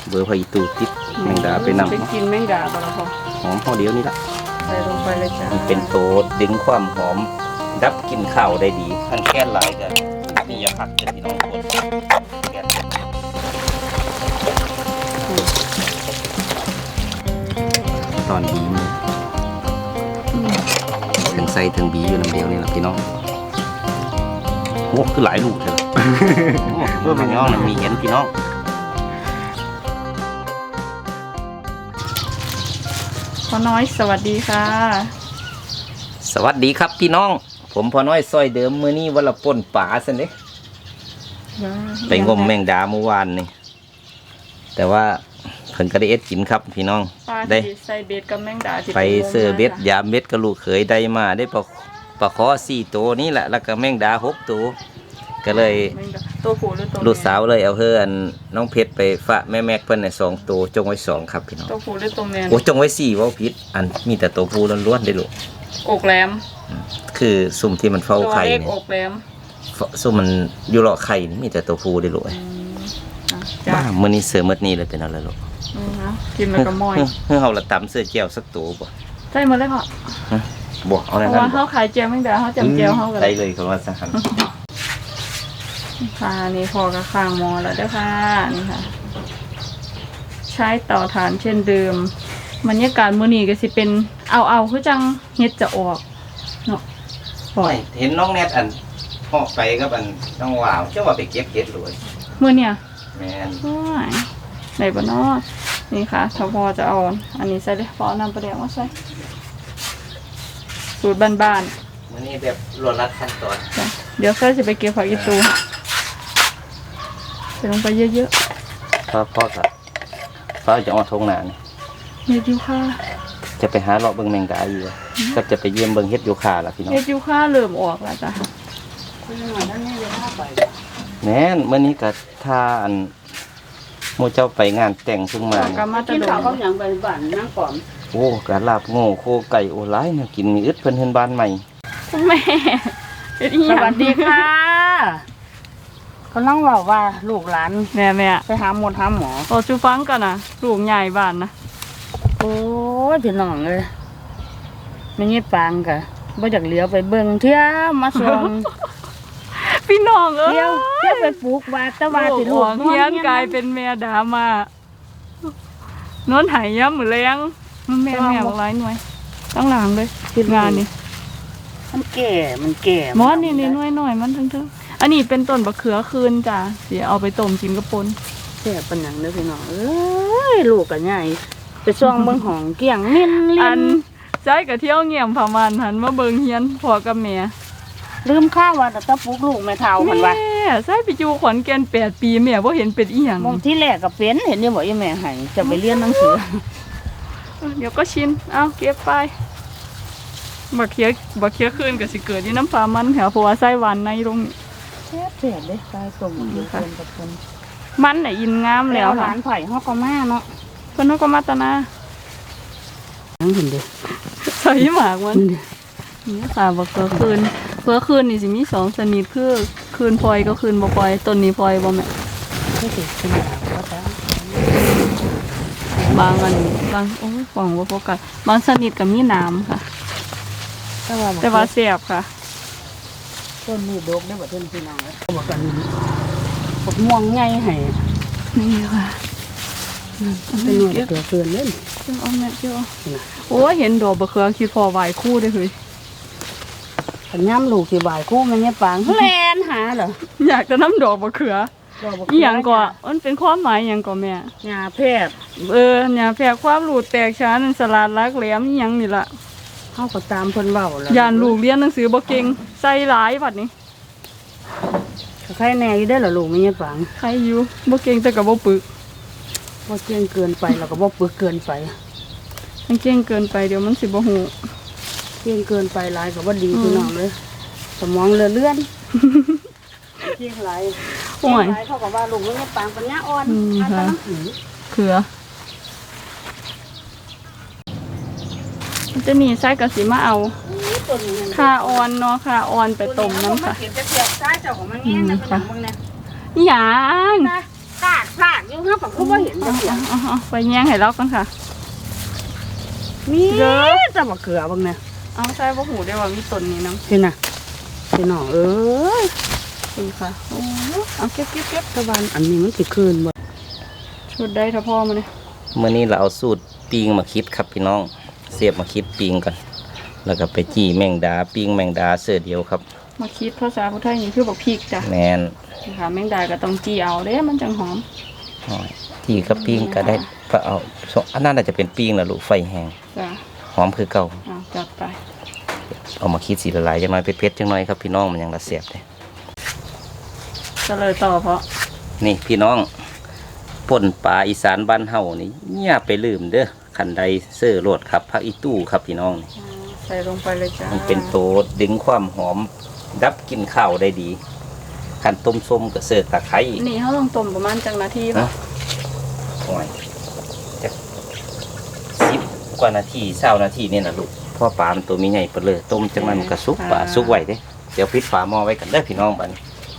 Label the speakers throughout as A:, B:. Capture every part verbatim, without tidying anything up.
A: เบอร์พออีตูติดแมงดาไปนำ
B: ไปกินแมงดาบ่ล่ะพ่อ
A: หอมพอเดียวนี่ละ
B: ใส่ลงไปเลยจ้า
A: มันเป็นโตดึงความหอมดับกลิ่นข้าวได้ดีท่านแก้หลายกันนี่อย่าพักกันพี่น้องคนแก้ตอนบีมถึงใส่ถึงบีอยู่น้ำเดียวนี่แหละพี่น้องโอ้คือหลายลูกเถอะเพื่อพี่น้องมีเห็นพี่น้อง
B: พ่อน้อยสวัสดีค่ะ
A: สวัสดีครับพี่น้องผมพ่อน้อยซอยเดิมมื้อนี้วันละป่นป่าสินเด้ไปงมแมงดาเมื่อวานนี่แต่ว่าเพิ่นก็ได้เอ็ดกินครับพี่น้อง
B: ได้ใส่เบ็ดกับแมงดา
A: ไปเสื้อเบ็ดยามเบ็ดกระลูกเขยได้มาได้ปลาปลาคอสี่ตัวนี่แหละแล้วก็แมงดาหกตัวก็เลย
B: ตัวผู้หรือตัว
A: ลูกสาวเลยเอาเพื่อนน้องเพชรไปฝากแม่แม็กเพิ่นในสองตัวจงไว้สองครับพี่น้อง
B: ตัวผู้หรือตัวแม่
A: โอ้จงไว้สี่ว่าผิดอันมีแต่ตัวผู้ล้วนๆได้ลูก
B: อกแหลม
A: คือซุ่มที่มันเฝ้าไข่
B: เนี่ยอกแหลม
A: ซุ่มมันอยู่หลอกไข่นี่มีแต่ตัวผู้ได้ลูกบ้ามื้อนี้เสือมื้อนี้เลยเป็นอะไรลูก
B: กินมันก็ม้อย
A: เฮ้ยเฮาละตำเสื้อแก้วสักตัวบ่
B: ใช่หมดเลยพ่อ
A: บ่เอาแน่นอน
B: เพราะว่าเฮาขายแก้วแมงดาเฮาจำแก้วเฮาก็
A: ได้เลยคือว่าสังหัน
B: ค่ะนี่พอกระข้างหม้อแล้วเด้อค่ะนี่ค่ะใช้เตาถ่านเช่นเดิมบรรยากาศมื้อนี้ก็สิเป็นเอาเอาคือจังเฮ็ดจะออกเนาะ
A: ปล่อยเห็นน้องแนทอันพ่อไปกับอันน้องว่าวเจ้าว่าไปเก็บเห็ดเลย
B: มื้อเนี่ย
A: แม่น
B: โอ้ยได้บ่เนาะนี่ค่ะถ้าพอจะเอาอันนี้ใส่เลยพอน้ำปลาแดกมาใส่สูตรบ้าน
A: ๆมื้อนี้แบบรวดรัดขั้นตอน
B: เดี๋ยวใส่สิไปเก็บผักอีตูใส่ลงไปเยอะ
A: ๆพ่อพ่อครับพ่อจะเอาทงหนานี่
B: เฮ็ดยูคา
A: จะไปหาเลาะเบิ่งแมงดาอยู่ก็จะไปเยี่ยมเบิ่งเฮ็ดยูคาล่ะพี่น้อง
B: เฮ็ดยูคาเริ่มออกแล้วจ้ะ
A: แม่นมื้อนี้ก็ถ้าอันหมู่เจ้าไปงานแต่งเพิ่งมา
B: กินข้าวเขาหยังไปบ้านนั่งก่อน
A: โอ้กะลาบโง่โคไก่โอ้หลายเนี่ยกินมีอึดเพิ่นเฮือนบ้านใหม่
B: แม่สวัสดีค่ะ
C: เขาลังเว้าว่าลูกหลาน
B: แม่แม่
C: ไปหาหมดหาหมอ
B: โอ้ชูฟังกันนะลูกใหญ่บ้านนะ
C: โอ้ยพี่น้องเอ้ยไม่งี้ปางกะบ่อยากเลี้ยวไปเบิ่งเที่ยมาส่ง
B: พี่น้องเอ้ย
C: เที่ยวเที่ยวไปปลูกว่าแต่ว่าสิลูก
B: เฮียนกลายเป็นแม่ดามานอนหายย้ำมือแรงมันแม่แม่บอกร้ายหน่วยตั้งหลังเลยติดงานนี่
C: มันแก่มันแก่
B: มอสนี่นี่หน่วยหน่อยมันทั้งทั้งอันนี้เป็นต้นบะเขือคืนจ้ะเดี๋ยวเอาไปต้มกินกระปน
C: แก่ปัญญังเด้อพี่น้องเอ้ยลูกกันใหญ่ไปซ่องเบิ่งห้องเกี่ยงนิ่นลิ้น
B: ใจกับเที่ยวเงี่ยมผ่ามันหันมาเบิ่งเฮียนพอกับแม่
C: ลืมข้าวว่าแต่ตะปุกลูกแม่เฒ่าหันว่า
B: แม่ใส่ไปอยู่ขอนแก่นแปดปีแม่บ่เห็นเป็นอีหยัง
C: มองที่แรกก็เป็นเห็นนี่บ่อีแม่ให้จะไปเรียนหนังสือ
B: เดี๋ยวก็ชินเอาเก็บไปบักเคี้ยบักเคี้ยคืนก็สิเกิดที่น้ำปลามันแถวเพราะว่าไส้หวานในตรงนี้
C: แซ่บแซ่บเลยไส้ส้มอยู่คนกับคน
B: มันน่ะอินงามแล้ว
C: หลานไผ่ฮอกก็มาเนาะ
B: เพิ่นฮอกก็มาตะนา
C: นั่งเห็นเด้
B: ใส่หมากมันนี่ค่ะบักเขือคืนเขือคืนนี่สิมีสองชนิดคือคืนพลอยก็คืนบ่พลอยต้นนี้พลอยบ่แม่
C: ก็สิขึ้นมาว่าจ้า
B: บางอันบางโอ้ยฟังว่าโฟกัสบางชนิดก็มีน้ำค่ะ
C: แต่ว่า
B: แต่ว่าแซ่บค่ะ
C: ต้นนี้ดกได้บ่ต้นพี่น้องเอ้ยบ่กันพวกม่วงใหญ่ให้
B: นี่ค่ะ
C: เป็นหน่วยเกลือเกินเล่น
B: จังเอาแม่เจ้าโอ้ยเห็นดอกบะเขือคิดพอไหวคู่ได้เลย
C: ขันย่ำลูกสิบ่ายคู่มันเนี่ยปังแลนหาเหรอ
B: อยากจะน้ำดอกบะเขืออีหยังก่อนมันเป็นความหมายอย่างก่อนแม่
C: ยาแพทย์
B: เออยาแพทย์ความรูดแตกช้านันสลัดรักแหลมอีหยังนี่ละ
C: เขาก็ตามเพิ่นเว้าแล้ว
B: ยานลูกเรียนหนังสือบ่เก่งใส่หลายบัดนี้
C: ใครแน่อยู่ได้เหรอลูกมันเนี่ยปัง
B: ใครอยู่บ่เก่งแต่กับบ่ปึก
C: บ่เก่งเกินไปแล้วก็บ่ปึกเกินไป
B: มันเก่งเกินไปเดี๋ยวมันสิบ่หู
C: เก่งเกินไปหลายก็บ่ดีพี่น้องเลยสมองเลื่อนเลื่อนเก่งหลายโอ้ยเขาก็ว่าลูกมันเนี่ยปังปัญญาอ่อนค่ะ
B: เขือจะมีไส้กระสีมาเอาคาออนเนาะคาออนไปต้มน้ำค่ะ
C: จะเสียบไส้เจ้าของมันเงี้ยนะเป็นอย่างมึงเนี่ย
B: อย่าง
C: กาดพลาดอยู่ห้ากับเขาบ่เห็นจังซี่
B: เอาเอาไปแย่งให้เราก่อนค่ะ
C: มีจะมาเกลือบ้างเนี่ย
B: เอาใส่บ่หูได้ว่ามีต้นนี้น้
C: พี่น่ะพี่น้องเอ้ย
B: ำคุณค่ะโอ้เอาเก็บเก็บเก็บ
C: ตะวันอันนี้มันสิคืนบ่
B: ชุดได้ถ้าพ่อมาเนี่ย
A: เมื่อนี้เราเอาสูตรปิ้งมาคิดครับพี่น้องเสียบมาคิดปิ้งกัน แล้วก็ไปจี้แมงดาปิ้งแมงดาเสื้อเดียวครับ
B: มาคิดภาษาพุทธไทยนี่คือบอกพริกจ้ะ
A: แมน
B: ค่ะแมงดาก็ต้องจีเอาเด้มันจังหอม
A: อ้อยจี้กับปิ้งก็ได้ก็เอาอันนั้นอาจจะเป็นปิ้งนะลูกไฟแห้ง
B: จ้ะ
A: หอมคือเก่า
B: เอาจัดไป
A: เอามาคิดสีละลายจังหน่อยเผ็ดๆจังหน่อยครับพี่น้องมันยังละเสียบเลย
B: ก็เลยต่อเพราะ
A: นี่พี่น้องป่นปลาอีสานบ้านเฮานี่อย่าไปลืมเด้อขันใดเสื้อโลดครับผักอีตู้ครับพี่น้องนี่
B: ใส่ลงไปเลยจ้า
A: มันเป็นโตดึงความหอมดับกลินข้าวได้ดีขันต้มส้มกับเสื้อตะไคร้
B: นี่เขาต้องต้มประมาณจังนาที
A: นะ
B: ป่ะ
A: โอ้ยจะสิบกว่านาทีเศร้านาทีนี่นะลูกเพ่อปลามันตัวมีใหญ่เปเลยต้มจังนั้นมันก็สุกปลาสุกไว้เด้เดี๋ยวพลิกฝาหม้อไว้กันเด้อพี่น้องบัดน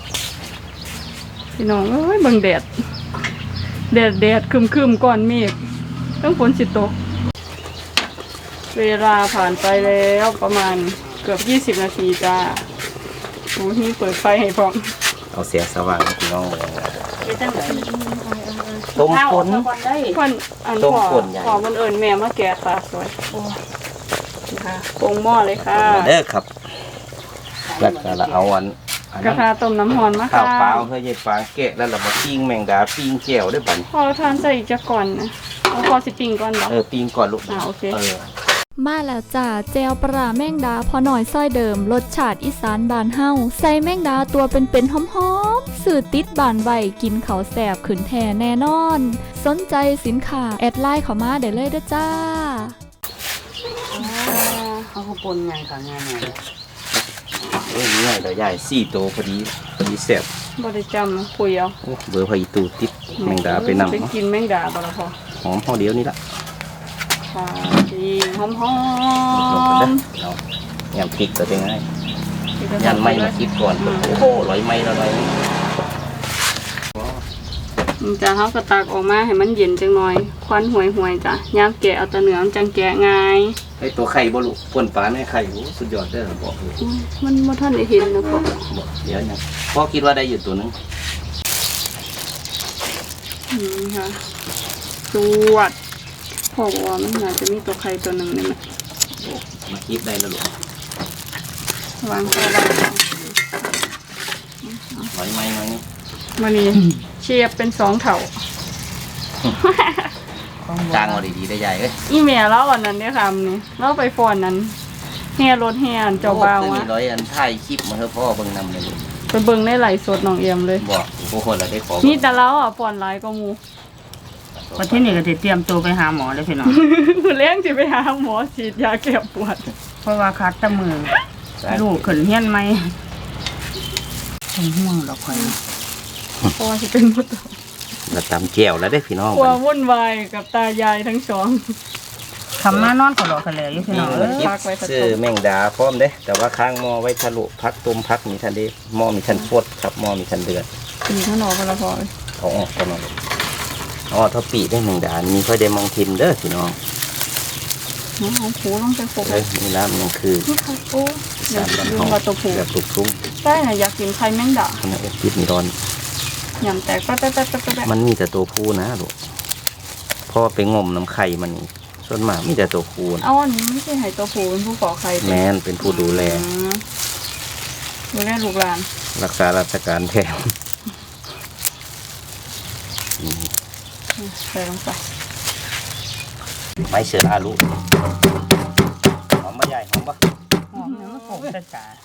B: พี่น้องเอ้ยเบิ่งแดดแดดแดดคึมคึมๆก่อนเมฆต้องฝนสิตกเวลาผ่านไปแล้วประมาณเกือบยี่สิบนาทีจ้าโอ้นี่เปิดไฟให้พร้อม
A: เอาเสียสว่างให้พี่น้องเลย
C: ไปจังได๋
A: ต้มฝน
C: ได้
B: ควันอัน
A: ต้ม
B: พ่อ
A: ป่นใหญ่
B: พ่อมันเอิญแม่มาแกะปลาสวยโอ้นี่ค่ะปรุงหม้อเลยค่ะ
A: มาเด้อครับแล้วก็เราเอาอันอัน
B: กระ
A: นั้น
B: ทะต้มน้ำหอนมา
A: ข้าว
B: ค่ะ
A: เปล่าเฮ้ยยายปลาแกะแล้วเรามาปิ้งแมงดาปิ้งแก้วด้วยบัดน
B: พอทานใส่อีกจะก่อนนะเอาพอสิปิงก่อนเหรอ
A: เออปิ้งก่อนลูก
B: อ่าโอเค
A: เออ
D: มาแล้วจ้าแจวปลาแม่งดาพอหน่อยซ้อยเดิมรสชาติอีสานบานเฮาใส่แม่งดาตัวเป็นๆหอมๆสื่อติดบานไวกินเขาวแสบขืนแท่แน่นอน สนใจสินค้าแอดไลน์เข้ามาได้เลยเด้อจ้า
C: เขาก็ปนไงค่ะงานไหน
A: เอ้ยง่ายเดี๋ยวใหญ่สี่โตวพอดีพอดีแซ่บบ
B: ริจำนะปุยเอา
A: โอ้เบอร์พออีตูติดแมงดาไปนำ
B: ไป
A: เนาะ
B: กินแมงดาบ่ละพอ
A: หอมพอเดียวนี่ละ
B: ค่ะดีหอมหอ
A: ลงไปเด้อ
B: ม
A: เอายำพริกตัวเป็นไงยันไม่มาคิดก่อนโอ้โหร้อยไม้ละร้อย
B: จะเขาก็ตักออกมาให้มันเย็นจังหน่อยควันห่วยห่วยๆจ้ะย่างแกะเอาแตะเนื้อมันจังแกะง่าย
A: ไอตัวไข่บ่ลูกป่นปลาในไข่โอ้สุดยอดเด้อบอกเลย
B: อุ๊ยมันบ่ทันได้เห็นนะพ่อ
A: บอกเดี๋ยวยังพ่อคิดว่าได้อยู่ตัวหนึง
B: อืมค่ะจวดพ่อบอกว่ามันน่าจะมีตัวไข่ตัวหนึ่งนี่แหละ
A: โอ้มาคิดได้แล้วลูก
B: วางข้าววาง
A: ร้อยไม้มานี่
B: มานี่เชียบเป็นสองเถ่า
A: จ้างมาดีๆได้ใหญ่เอ้ย
B: อีเมียแล้วอันนั้นเนี่ยค่ะนี่เราไปฟอนนั้นแห่รถแห่อันเจ้าบ่าว
A: โอ้
B: อะ
A: ตัวนี้ร้อยอันถ่ายคลิปมาเถอะพ่อเบิ่งนำเลยลูก
B: ไปเบิ่งในไหลฟ์สดน้องเอียมเลย
A: บอกโอ้โหเราได้ขอ
B: นี่แต่เราอ่ะฟอนหลายก็มู
C: วันที่นี่ก็สิเตรียมตัวไปหาหมอเลยพี่น้อง
B: คือเลี้ยงสิไปหาหมอฉีดยาแก้ปวด
C: เพราะว่าคัดแตะมือลูกขึ้นเฮียนไหมเป็นห่วงดอกข่อย
B: เพราะว่าสิเป็นมด
A: เราตำแจ่วแล้วได้อพี่น้อง
B: กลัววุ่นวายกับตายายทั้งสอง
C: คำมานอนก็ดอกกันเลยอยู่พี่น้อง
A: นี่
C: เอ้
A: มัน
C: ย
A: คิด
B: พักไว้สัก
A: ซื้อแมงดาพร้อมเด้แต่ว่าข้างหม้อไว้ทะลุพักต้มพักมีทันเด้หม้อมีทันโคตรครับหม้อมีทันเดือด
B: ตีข้างนอกกันละพอ
A: เอาออกก่อนนะอ๋อถ้าปีได้แมงดามีค่อยได้มังทิมเด้อพี่น้อง
B: น้องหอมผูลงไปปก
A: เอ้ยนี่ละมันคือ
B: นี่ค่ะโอ้เดี๋ยว
A: สาม
B: ลื
A: บัน
B: ม
A: เทา
B: ว่าตัวผู
A: แบบตุกทุ่ง
B: ได้น่ะอยากกินไข่แมงดา
A: ขณะเอ็ดพิษมีร้อน
B: ยำแตกแป๊ะแป๊ะแป๊ะแป๊ะแป๊ะ
A: มันมีแต่ตัวผู้นะลูกพ่อไปงมน้ำไข่มันนี่ส่วนมากมีแต่ตัวผู้นะ
B: เอาอันนี้ไม่ใช่ไห่ตัวผูเป็นผู้ก่อไข่
A: แมนเป็นผู้ดูแล
B: อืมดูแลลูกหลาน
A: รักษาราชการแทน
B: ใส่ลงไป
A: ไม้เสืออาลูกหอมบะใหญ่หอมบะ
C: หอมเนี่ยมันโผล่แต่กา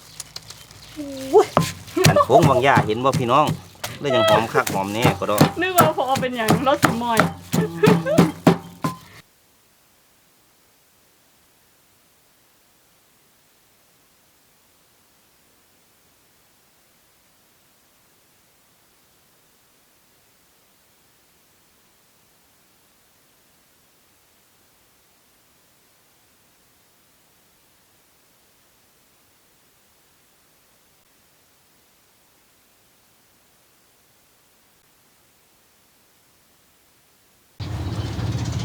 A: อันโค้งบางหญ้าเห็นบ่พี่น้องเลยยังหอมคักหอมแน่ก็ได้
B: นึกว่าพอเป็นอย่างรสสมอย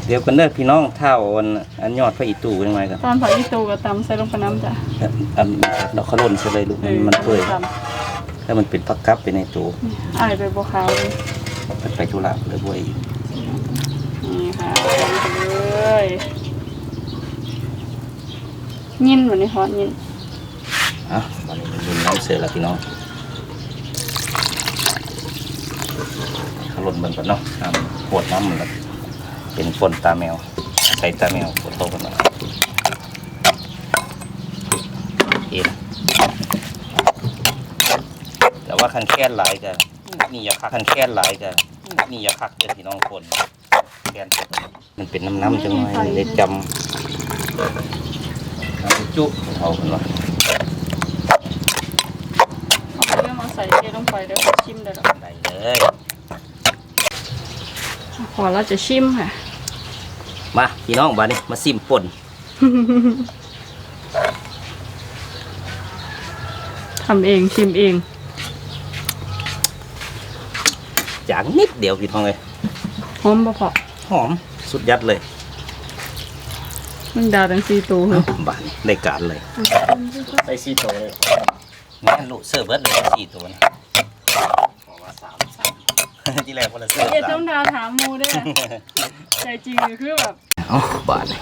A: เดี๋ยวกันเด้อพี่น้องเท่าอันอันยอดพระอีตู่ยังไงกัน
B: ตอนผักอีตูกับตำใส่ลงไปน้ำจ้ะ
A: อันเราเขาล่นใช่เลยลูกมันมันเปื่อย
B: ต
A: ถ้ามันเป็นพักกับไปในตู้
B: ำอายไปบัวขาวเลย
A: มันไปธุระเลยบ่อย
B: นี่ค่ะลงไปเลยยินวันนี้ฮอตยิน
A: อ่ะวันนี้มันน้ำเสือแล้วพี่น้องเขาล่นมันก่อนเนาะน้ำปวดน้ำมันแบบเป็นฝนตาแมวใส่ตาแมวปวดโตกันหน่อยเอ็นแต่ว่าคันแค่นหลายกันนี่อย่าคักคันแค่นหลายกันนี่อย่าคักเด้อพี่น้องคนแค่นมันเป็นน้ำน้ำจังไงได้จำน้ำจุเอาคนวะ
B: เอาเรื่องมาใส่เทลงไปเดี๋ยวขอชิมได้หรอ
A: ได้เลย
B: ขอเราจะชิมค่ะ
A: มาพี่น้องบ้านนี้มาซิมป่น
B: ทำเองชิมเอง
A: จางนิดเดียวพี่น้องเลย
B: หอมบ่พอ
A: หอมสุดยัดเลย
B: มันดาวทั้งสี่ตัวเลย
A: บ้านนี้ได้การเลย
E: ใส่ซีโตเลย
A: แม่นลูกเสิร์ฟเบิร์ดเลยสี่ตัวนี่
E: บอกว่าสามสาม
A: ที่แรกคนละเสิร์ฟ
B: เอ็ด
A: สา
B: ต้
A: ม
B: องดาวถามมูด้วยใจจริงคือแบบ
A: อ๋อบ้านนี้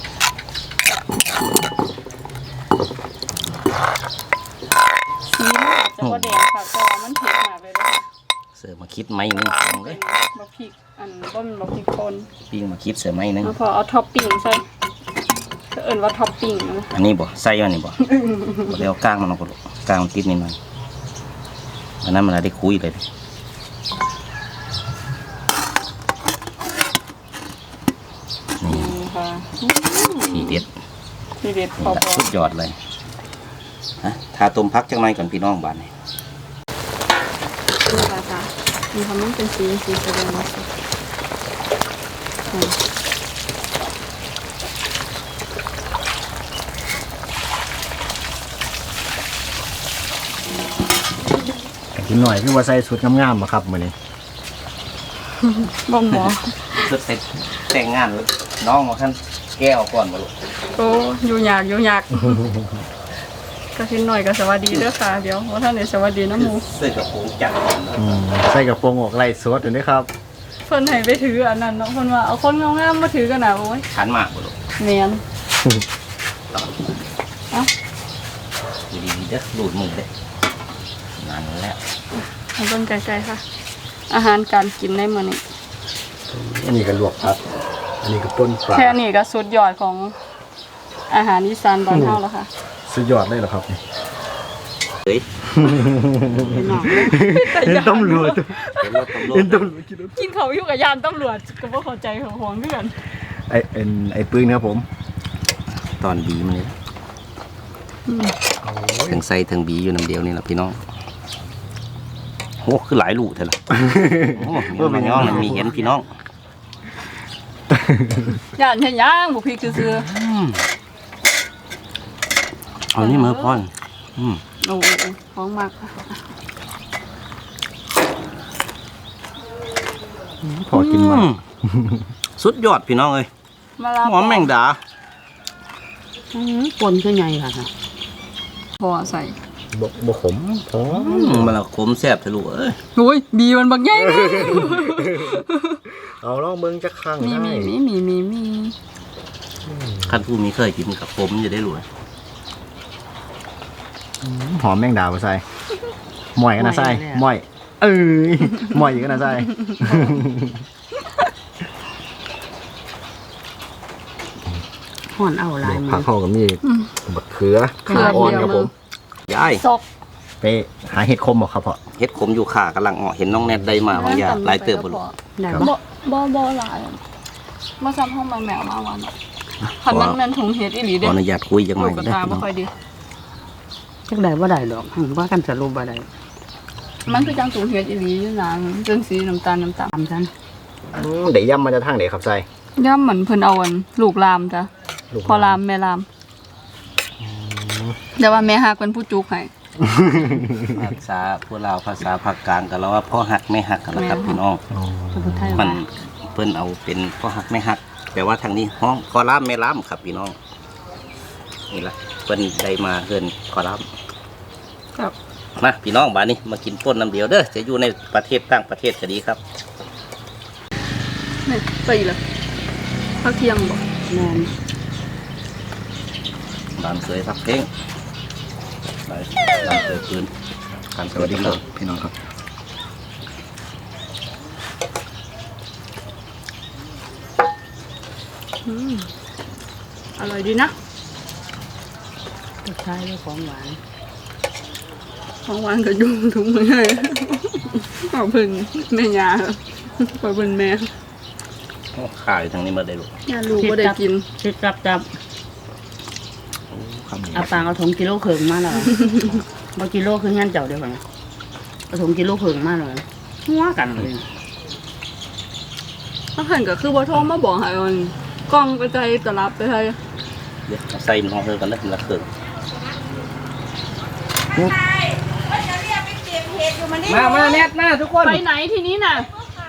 B: สีมันอาจจะบ่แดงค่ะแต่ว่ามันเผ็ดมากเลยนะคะ
A: เสิร์ฟมาคิดไหมนึงพี่น้องเล
B: เป็
A: ย
B: นบะพริกอันบ่เป็นบะพริกป่น
A: ปิ้งมาคิดเสิร์ฟไหมนึง
B: แล้วพอเอาท็อปปิ้งใส่ก็เอิ้นว่าท็อปปิ้งนะ
A: อันนี้บ่ใส่อันนี้บ่บ่ได้เอาก้างมันออกก่อนลูกก้างมันติดนิดหน่อยอันนั้นมันได้คุยเลยนี่
B: นี่ค่ะ
A: ทีเด็ด
B: ทีเด็ดพ
A: นี่
B: อ
A: ละสุดยอดเลยฮะทาต้มพักจังไรก่อนพี่น้องบ้านนี้
B: ๆนี่ค่ะค่ะมีความมันเป็นสีสีแสดงว่าสุกอืม
E: กินหน่อยคือว่าใส่สุดงามๆมาครับมื้อนี้
B: บ่หมอ
A: สุดเสร็จแต่งงานแล้วน้องมาขั้นแก้วก่อนมาลูก
B: โอ้อยู่ยากอยู่ยากก็ทิ้นหน่อยก็สวัสดีเด้อค่ะเดี๋ยวว่าท่านไหนสวัสดีนะหมู
A: เสื้อกระโปรงจัดก่อนเนอะ
E: อืมใส่กระโปรงออกไล่สดอยู่นี่ครับ
B: เพิ่นให้ไปถืออันนั้นเนาะเพิ่นว่าเอาคนงามๆมาถือกันน่ะโอ้ย
A: ขันมากบ่ลูก
B: แม่น
A: อยู่ดีๆเด้อหลุดมือเด้อนั่นแหละ
B: เอาเบิ่งไกลๆค่ะ อาหารการกินในมื้อนี้
E: อันนี้ก็ลวกผักอันนี้ก็ป่นปลา
B: แค่นี้ก็สุดยอดของอาหารอีสานบ้านเฮาแล้วค่ะ
E: สุดยอดเลยเหรอครับนี่
A: เฮ้ย
E: เห็นตำรวจ
A: เห็นรถตำรว
E: เห็
A: จ
E: นตำรวจกินรถ
B: กินเขาวอยู่กับยานตำรวจก็บ่เข้าใจของของเพื่อน
E: ไอเอ็นไอปืนครับผม
A: ตอนบีมันเลยถึงใส่ถึงบีอยู่น้ำเดียวนี่แหละพี่น้องโอ้คือหลายลูกเท่าไหร่โอ้มีมันย่องมันมีเห็นพี่น้อง
B: ยานเฮ็ดหยังบ่พริกซื่อ
A: เอานี่มาพ่อนอืม
B: ๆโอ้ของมากค่ะ
E: พอกินมา
A: อืสุดยอดพี่น้องเอ้ย
B: มาลา
A: หอมแมงดา
C: อื้อปนคือไงล่ะค่ะ
B: พอใส่
E: บกบกขมพอ
A: อืมมันละขมแซ่บทะลุเอ้ย
B: โอ้ยบีมันบักใหญ่เลย
E: เอาลองเบิ่งจักครั้ง
B: มีมีมีมีมีมี
A: คันผู้มีเคยกินกับขมจะได้รู้
E: หอมแมงดาบ่ใส่หม่อยกันนะใส่หม่อยเอ้ยหม่อยอีกกันนะใส่
C: ห่อนเอาหลาย
E: ผั
C: มื
E: ก
C: อ
E: เข้ากับมีบักเขือ
B: เขือ
E: ขาอ่อน
B: เดียว
E: ครับผม
A: ยาย
B: ซอก
E: ไปหาเห็ดคมบ่ครับพ่อ
A: เฮ็ดขมอยู่ขากำลังออกเห็นน้องแนทได้มาบางอย่างหลายเติบบ่ลูก
C: ได้
B: บ่
C: ปะ
B: บ่บ่หลายมาซ้ำห้องมาแมวมาวันคันนั้นแม่นถุงเฮ็ดอีหลี
A: ข
B: เด้
A: ออนุญาตคุยจังห
B: ลู
A: น่อก ย
B: กระ
A: ได้อ
B: ตา
A: พี่
B: บ่
A: น้อง
B: ค่อยดี
C: จักได้บ่ได้ดอกหั่นว่ากันสรุปบ่ได้
B: มันคือจังถุงเฮ็ดอีหลีอยู่นานจนสีน้ำตาลน้ำตาล
C: ตามฉัน
E: อืมเดี๋ยวย่ำมาจะทางไหนครับใส่
B: ย่ำเหมือนเพิ่นเอาอันลูกลามจ้ะ
E: ลูก
B: พอลามแม่ลามแต่ว่าแม่ฮักเป็นผู้จุกให้
A: ภาษาพวกเราภาษาภาคกลางกันแล้วว่าพ่อหักไม่หักกันแล้วครับพี่น้อง
E: อ๋อ
C: พระพุทธไทย
A: มั
C: ว่าน
A: เพิ่นเอาเป็นพ่อหักไม่หักแต่ว่าทางนี้ห้องคอล่ามแม่ล่ามครับพี่น้องนี่ละเพิ่นได้มาเฮือนคอล่าม
B: ครับ
A: มาพี่น้องบ้านนี้มากินป่นน้ำเดียวเด้อจะอยู่ในประเทศต่างประเทศก็ดีครับ
B: นี่ไปอีกแล้วพักเที่ยงบ่
C: แม่น
A: บ้านเคยพักเพลงไปบ้านเคยปืนการ
E: สวัสดีครับพี่น้องครับ
B: อืมอร่อยดีนะ
C: สุดท้ายด้วยของหวาน
B: ของหวานก็ยุ่งถุงมือให้ขอบคุณแม่ยาขอบคุณแม่
A: ขายทางนี้มาได้ลูก
B: ยาลูกก็ได้กิน
C: ชิดจับจับ
E: คำนี้
C: เอาปางเอาถุงกิโลเขิงมาเลยบ่กิโลคืองั้นเจ้าเดียวกันเอาถุงกิโลเขิงมาเลยหัวกันเลย
B: ถ้าเห็นก็คือบ่โทรมาบอกให้มันกล้องไปใจตลับไปให้
A: เดี๋ยวเอาใส่มันห้องเธอกันแล้วละเครื่องมามาแนทมาทุกคน
B: ไปไหนทีนี้น่ะ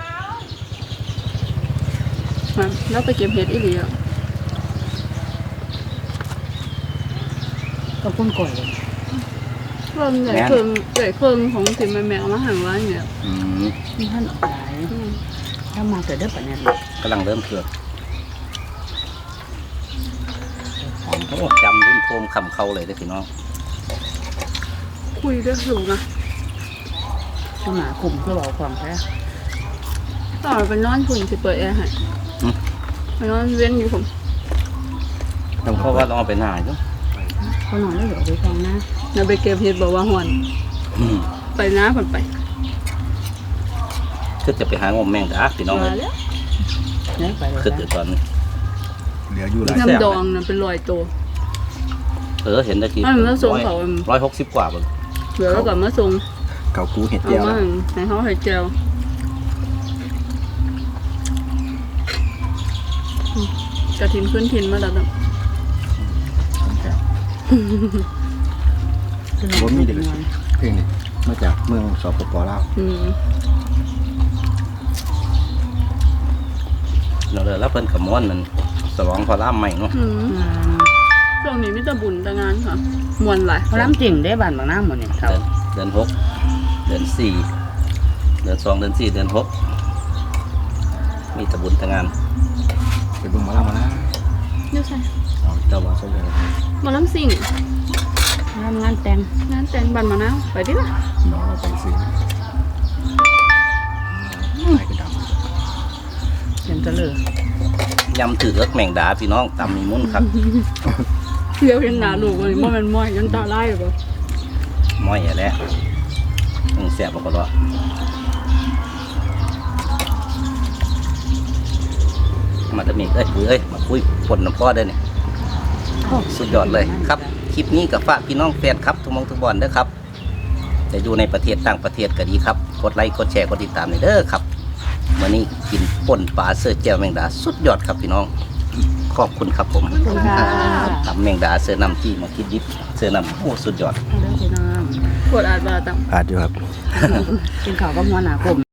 B: มาแล้วไปเก็บเห็ดอีหลีอ่ะ
C: ก็พุ่นก่อย
B: เพิ่มใหญ่เพิ่มใหญ่เพิ่มของถิ่นแม่แม่เอามาหั่นไว้เนี่ย
A: อืม
C: นี่ท่านออกหลายถ้ามาเกิดได้ปะเนี่ย
A: กำลังเริ่มเครื่องโอ้จำรุ่นโฟมคำเขาเลยเด้อพี่น้อง
B: คุยด้วยสูงนะ
C: ถ้าหมาขุ่มก็บอกความแท้
B: ต่อไปนอนคุณสิเปิดแอร์ให้ไปนอนเว้นอยู่ผม
A: ต้องเพราะว่าต้องเอาไปหน้าจ้ะ
C: เขานอนได้เหรอไปฟังนะ
B: เดี๋ยวไปเก็บเห็ดบอกว่าหอน
A: อืม
B: ไปน้าผ่นไป
A: คือจะไปหางมแมงดาพี่น้องเลย
B: มาแล้ว
C: เนี่ยไปเลย
A: คือเดี๋ยวตอนนี้
E: เหลืออยู่หลาย
B: น้ำดองน่ะเป็นรอยตัว
A: เออเห็นตะกี้
B: อันนั้นแล้วส่งเขา
A: ร้อยหกสิบกว่าเบิ่ง
B: เดี๋ยวเรากลับมาส่ง
E: เกากูเห็ด
B: เอา
E: เจียว
B: มาให้เขาให้เจลอืมกระถินขึ้นถินมาแล้วนะ
E: ผมมีเด็กเพลงนี้มาจากเมืองสปปลาว
B: อืม
A: เราเลยแล้วเพิ่นกับม้วนมันสลองพอล่ามใหม่เนาะ
B: อืมช่วงนี้มิตรบุญแต่งานค่ะมวนหลาย
C: เขาล้ำจริงได้บ้านบางน้ำหมดเนี่ยเขา
A: เดือนเดือนหกเดือนสี่เดือนสองเดือนสี่เดือนหกมีแตะบุญทางาน
E: ไปเบิ่งหมาแล้วมานะ
B: เดี๋ยวใช่
E: เอาเจ้าว่าสนใจอะไร
B: หมาล้ำสิ่ง
C: ทำงานแต่ง
B: งานแต่งบันมะนาวไปดิล่ะ
E: น้องเราไปซื้อไปกระดำ
C: เห็นจะเลย
A: ยำถือเอิกแมงดาพี่น้องตำมีมุ้นครับ
B: เดี๋ยวเห็นหนาลูกเลยมันมันม้อยยันตาไล่หรือเปล่า
A: ม้อยอย่าแล้วต้องแสบมันก็รอมาตะมีเอ้ยคุยเอ้ยมาคุยผลน้ำพ่อได้เนี่ยสุดยอดเลยครับ คลิปนี้กับฝากพี่น้องแฟนครับทุกหมองทุกบอลเด้อครับจะอยู่ในประเทศต่างประเทศก็ดีครับกดไลค์กดแชร์กดติดตามหน่อยเด้อครับวันนี้กินป่นปลาเสื้อแจ่วแมงดาสุดยอดครับพี่น้องขอบคุณครับผม
C: ขอบคุณค่ะ
A: ทำแมงดาเสื้อนำที่มาคิดดิบเสื้อนำโอ้สุดยอด
C: เรื่องพี่น้อง
B: ปวดอาดบาตัง
E: อาจอยู่ครับ
C: กินข้าวก็หัวหนากลม